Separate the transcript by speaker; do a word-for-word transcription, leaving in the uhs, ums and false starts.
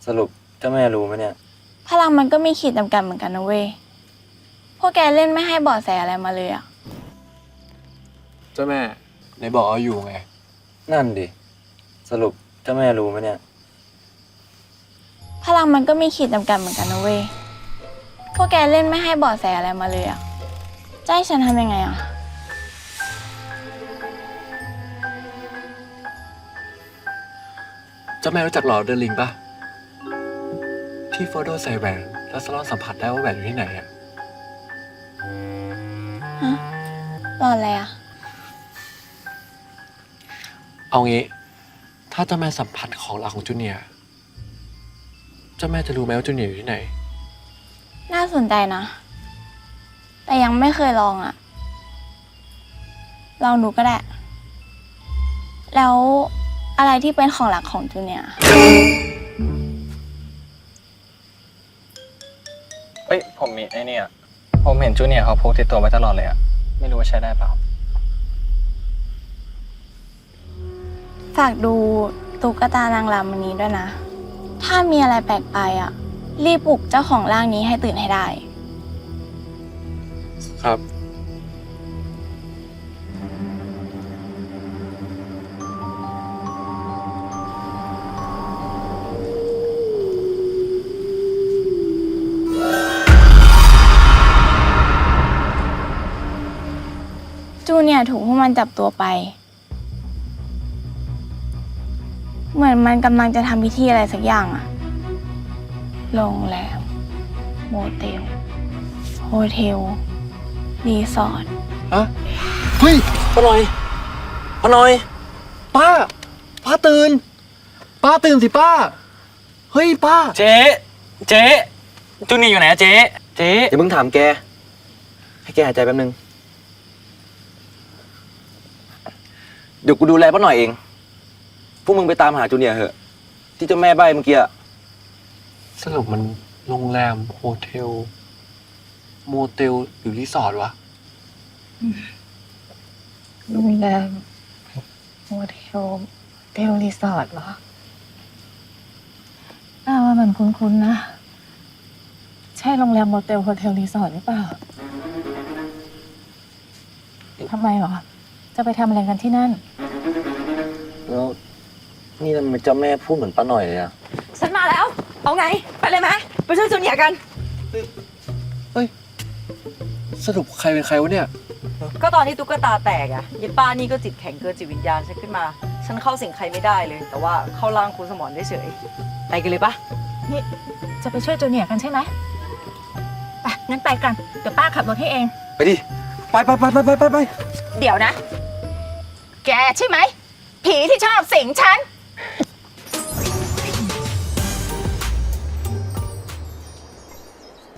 Speaker 1: สรุปเจ้าแม่รู้ไหมเนี่ย
Speaker 2: พลังมันก็มีขีดจำกัดเหมือนกันนะเว้ยพวกแกเล่นไม่ให้เบาะแสอะไรมาเลยอะ
Speaker 3: เจ้าแม่ในบอกเอาอยู่ไง
Speaker 1: นั่นดิสรุปเจ้าแม่รู้ไหมเนี่ย
Speaker 2: พลังมันก็มีขีดจำกัดเหมือนกันนะเว้ยพวกแกเล่นไม่ให้เบาะแสอะไรมาเลยอะจะให้ฉันทำยังไงอะ
Speaker 3: เจ้าแม่รู้จักหลอดเดอลิงปะที่โฟโดใส่แหวนแล้วสลอนสัมผัสได้ว่าแหวนอยู่ที่ไหนอะ
Speaker 2: ฮะรออะไรอะ
Speaker 3: เอางี้ถ้าเจ้าแม่สัมผัสของรักของจูเนียร์เจ้าแม่จะรู้ไหมว่าจูเนียร์อยู่ที่ไหน
Speaker 2: น่าสนใจนะแต่ยังไม่เคยลองอะลองดูก็ได้แล้วอะไรที่เป็นของหลักของจูเนียร์
Speaker 4: เฮ้ยผมมีไอ้นี่อ่ะผมเห็นจูเนียร์เขาพกติดตัวไว้ตลอดเลยอ่ะไม่รู้ว่าใช้ได้เปล่า
Speaker 2: ฝากดูตุ๊กตานางรำอันนี้ด้วยนะถ้ามีอะไรแปลกไปอะรีบปลุกเจ้าของร่างนี้ให้ตื่นให้ได้
Speaker 3: ครับ
Speaker 2: จูเนียร์ถูกพวกมันจับตัวไปเหมือนมันกำลังจะทำพิธีอะไรสักอย่างอะโรงแรมโมเตลโฮเทลรีสอร์ท
Speaker 3: อะเฮ้ยป้าหน่อยป้าหน่อยป้าป้าตื่นป้าตื่นสิป้าเฮ้ยป้า
Speaker 4: เจ๊เจ๊จูเนียร์อยู่ไหนอะเจ๊เจ๊
Speaker 1: เดี๋ยวมึงถามแกให้แกหายใจแป๊บนึงเดี๋ยวกูดูแลป้าหน่อยเองพวกมึงไปตามหาจูเนียร์เหอะที่เจ้าแม่ใบ้เมื่อกี้
Speaker 3: สรุปมันโรงแรมโฮเทลโมเตลหรือรีสอร์ทวะ
Speaker 5: โรงแรมโฮเทลเทลรีสอร์ทเหรอป้าว่ามันคุ้นๆนะ ใช่โรงแรมโมเตลโฮเทลรีสอร์ทหรือเปล่าทำไมเหรอ จะไปทำอะไรกันที่นั่น
Speaker 1: แล้วนี่ทำไมเจ้าแม่พูดเหมือนป้าหน่อยเลยอะ
Speaker 5: ฉันมาแล้ว เอาไง ไปเลยไหมไปช่วยจูเนียร์กัน
Speaker 3: เฮ้ยสรุปใครเป็นใครวะเนี่ย
Speaker 6: ก็ตอนที่ตุ๊กตาแตกอะยิป้านี่ก็จิตแข็งเกินจิตวิญญาณฉันขึ้นมา ฉันเข้าสิงใครไม่ได้เลย แต่ว่าเข้าร่างคุณสมรได้เฉย ไปกันเลยปะ
Speaker 5: นี่จะไปช่วยจูเนียร์กันใช่ไหมไปงั้นไปกัน เดี๋ยวป้าขับรถให้เอง
Speaker 1: ไปดิไปไปไปไปไปไป
Speaker 5: เดี๋ยวนะ แกใช่ไหม ผีที่ชอบสิงฉัน